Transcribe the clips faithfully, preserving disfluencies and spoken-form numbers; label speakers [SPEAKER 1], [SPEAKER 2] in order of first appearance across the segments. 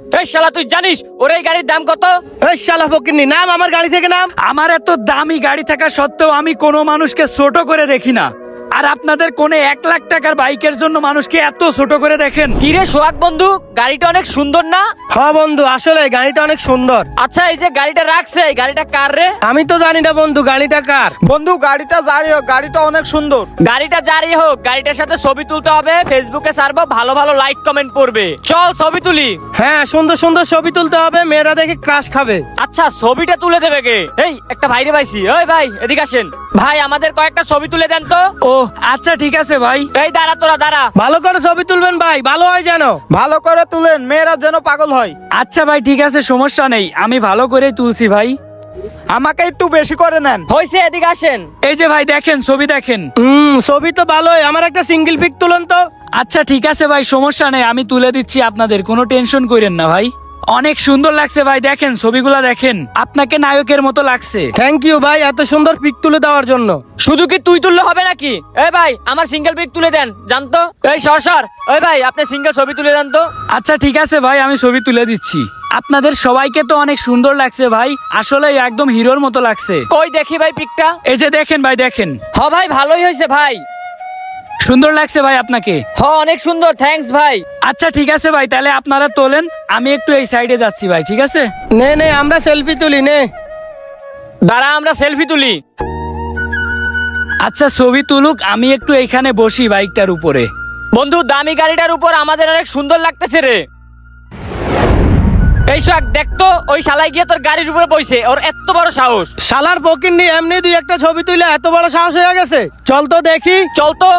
[SPEAKER 1] এই শালা তুই জানিস ওর এই গাড়ির দাম কত?
[SPEAKER 2] এই শালা ফকিন্নি, নাম আমার গাড়ি থেকে নাম।
[SPEAKER 3] আমার এত দামি গাড়ি থাকা সত্ত্বেও আমি কোনো মানুষকে ছোট করে দেখি না, আর আপনাদের কোনে এক লাখ টাকার বাইকের জন্য মানুষকে এত ছোট করে দেখেন।
[SPEAKER 1] কিরে সোহাগ বন্ধু, গাড়িটা অনেক সুন্দর না?
[SPEAKER 2] হ্যাঁ বন্ধু, আসলে গাড়িটা অনেক সুন্দর।
[SPEAKER 1] আচ্ছা এই যে গাড়িটা রাখছে, এই গাড়িটা কার রে?
[SPEAKER 2] আমি তো জানি না বন্ধু গাড়িটা কার।
[SPEAKER 4] বন্ধু গাড়িটা যাই হোক, গাড়িটা অনেক সুন্দর।
[SPEAKER 1] গাড়িটা যারই হোক, গাড়িটার সাথে ছবি তুলতে হবে, ফেসবুকে ছাড়বো, ভালো ভালো লাইক কমেন্ট পড়বে। চল ছবি তুলি।
[SPEAKER 2] হ্যাঁ, সুন্দর সুন্দর ছবি তুলতে হবে, মেয়েরা দেখে ক্রাশ খাবে।
[SPEAKER 1] আচ্ছা ছবিটা তুলে দেবে কে? এই একটা ভাইরে পাইছি, ওই ভাই এদিকে আসেন। ভাই আমাদের কয়েকটা ছবি তুলে দেন তো।
[SPEAKER 3] ও আচ্ছা ঠিক আছে ভাই।
[SPEAKER 1] এই দাঁড়া তোরা দাঁড়া।
[SPEAKER 2] ভালো করে ছবি তুলবেন ভাই, ভালো হয় যেন।
[SPEAKER 4] ভালো করে তুলেন, মেয়েরা যেন পাগল হয়।
[SPEAKER 3] আচ্ছা ভাই ঠিক আছে, সমস্যা নেই, আমি ভালো করেই তুলছি ভাই।
[SPEAKER 4] আমাকে একটু বেশি করে নেন।
[SPEAKER 1] হইছে এদিকে আসেন।
[SPEAKER 3] এই যে ভাই দেখেন, ছবি দেখেন।
[SPEAKER 2] হুম, ছবি তো ভালোই, আমার একটা সিঙ্গেল পিক তুলুন তো।
[SPEAKER 3] আচ্ছা ঠিক আছে ভাই, সমস্যা নেই, আমি তুলে দিচ্ছি, আপনাদের কোনো টেনশন করেন না ভাই। অনেক সুন্দর লাগছে ভাই, দেখেন ছবিগুলা দেখেন, আপনাকে নায়কের মতো লাগছে।
[SPEAKER 2] থ্যাংক ইউ ভাই, এত সুন্দর পিক তুলে দেওয়ার জন্য।
[SPEAKER 1] শুধু কি তুই তুললে হবে নাকি? এই ভাই আমার সিঙ্গেল পিক তুলে দেন জানতো। এই সর সর, ওই ভাই আপনি সিঙ্গেল ছবি তুলে দেন তো।
[SPEAKER 3] আচ্ছা ঠিক আছে ভাই, আমি ছবি তুলে দিচ্ছি। আপনাদের সবাইকে তো অনেক সুন্দর লাগছে ভাই, আসলে একদম হিরোর মতো লাগছে।
[SPEAKER 1] কই দেখি ভাই পিকটা।
[SPEAKER 3] এই যে দেখেন ভাই দেখেন।
[SPEAKER 1] হ ভাই ভালোই হয়েছে ভাই।
[SPEAKER 3] সুন্দর লাগছে ভাই আপনাকে।
[SPEAKER 1] হ অনেক সুন্দর, থ্যাঙ্কস ভাই।
[SPEAKER 3] আচ্ছা ঠিক আছে ভাই, তাহলে আপনারা তোলেন, আমি একটু এই সাইডে যাচ্ছি ভাই, ঠিক আছে?
[SPEAKER 2] নে নে, আমরা সেলফি তুলি নে।
[SPEAKER 1] দাঁড়া আমরা সেলফি তুলি।
[SPEAKER 3] আচ্ছা ছবি তুলুক, আমি একটু এইখানে বসি বাইকটার উপরে।
[SPEAKER 1] বন্ধু দামি গাড়িটার উপর আমাদের অনেক সুন্দর লাগতেছে রে। এই সোহাগ দেখতো, ওই শালাই গিয়ে তোর গাড়ির উপরে বইছে, ওর এত বড় সাহস।
[SPEAKER 2] শালার ফকিন্নি, এমনি দুই একটা ছবি তুলে এত বড় সাহস হয়ে গেছে। চল তো দেখি।
[SPEAKER 1] চল তো।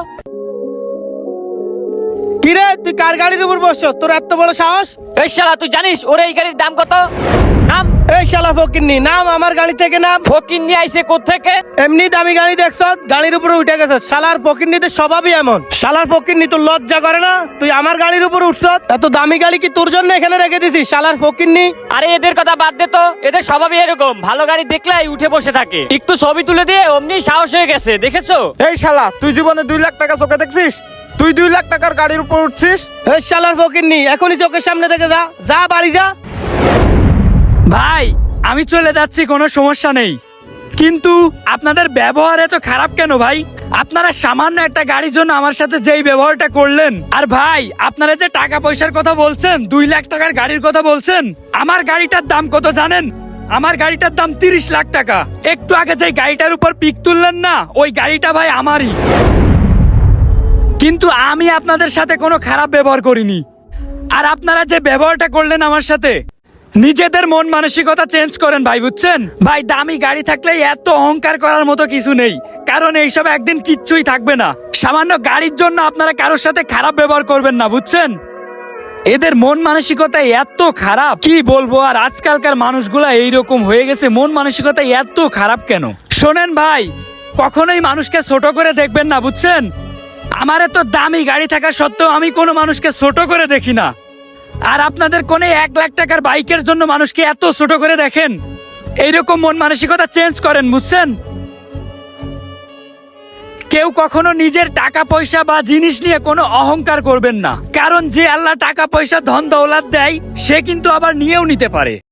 [SPEAKER 2] কিরে, তুই কার গাড়ির উপর বসছ? তোর এত বড় সাহস?
[SPEAKER 1] এই শালা তুই জানিস ওর এই গাড়ির দাম কত? নাম।
[SPEAKER 2] এই শালা ফকিন্নি, নাম আমার গাড়ি থেকে নাম।
[SPEAKER 1] ফকির নিয়ে আইছে কোত্থেকে?
[SPEAKER 2] এমনি দামি গাড়ি দেখছ, গাড়ির উপরে উঠে গেছ। শালার ফকিন্নিদের স্বভাবই এমন। শালার ফকিন্নি, তোর লজ্জা করে না? তুই আমার গাড়ির উপর উঠছ। এত দামি গাড়ি কি তোর জন্য এখানে রেখে দিছিস? শালার ফকিন্নি।
[SPEAKER 1] আরে এদের কথা বাদ দে তো, এদের স্বভাবই এরকম, ভালো গাড়ি দেখলেই উঠে বসে থাকে। একটু ছবি তুলে দিয়ে অমনি সাহস হয়ে গেছে, দেখেছো?
[SPEAKER 4] এই শালা, তুই জীবনে দুই লাখ টাকা চোখে দেখছিস? তুই দুই লাখ টাকার গাড়ির উপর উঠছিস?
[SPEAKER 2] এই শালার ফকিন্নি, এখনই চোখের সামনে থেকে যা, যা বাড়ি যা।
[SPEAKER 3] ভাই আমি চলে যাচ্ছি, কোনো সমস্যা নেই, কিন্তু আপনাদের ব্যবহার এত খারাপ কেন ভাই? আপনারা সামান্য একটা গাড়ির জন্য আমার সাথে যেই ব্যবহারটা করলেন, আর ভাই আপনারা যে টাকা পয়সার কথা বলছেন, দুই লাখ টাকার গাড়ির কথা বলছেন, আমার গাড়িটার দাম কত জানেন? আমার গাড়িটার দাম তিরিশ লাখ টাকা। একটু আগে যে গাড়িটার উপর পিক তুললেন না, ওই গাড়িটা ভাই আমারই। কিন্তু আমি আপনাদের সাথে কোনো খারাপ ব্যবহার করিনি, আর আপনারা যে ব্যবহারটা করলেন আমার সাথে, নিজেদের মন মানসিকতা চেঞ্জ করেন ভাই, বুঝছেন? ভাই দামি গাড়ি থাকলে এত অহংকার করার মতো কিছু নেই, কারণ এইসব একদিন কিচ্ছুই থাকবে না। সামান্য গাড়ির জন্য আপনারা কারোর সাথে খারাপ ব্যবহার করবেন না, বুঝছেন? এদের মন মানসিকতা এত খারাপ, কি বলবো। আর আজকালকার মানুষগুলা এইরকম হয়ে গেছে, মন মানসিকতা এত খারাপ কেন? শোনেন ভাই, কখনোই মানুষকে ছোট করে দেখবেন না, বুঝছেন? আমার এত দামি গাড়ি থাকা সত্ত্বেও আমি কোনো মানুষকে ছোট করে দেখি না, আর আপনাদের কোনে এক লাখ টাকার বাইকের জন্য মানুষকে এত ছোট করে দেখেন। এইরকম মন মানসিকতা চেঞ্জ করেন, বুঝছেন? কেউ কখনো নিজের টাকা পয়সা বা জিনিস নিয়ে কোনো অহংকার করবেন না, কারণ যে আল্লাহ টাকা পয়সা ধন দৌলত দেয়, সে কিন্তু আবার নিয়েও নিতে পারে।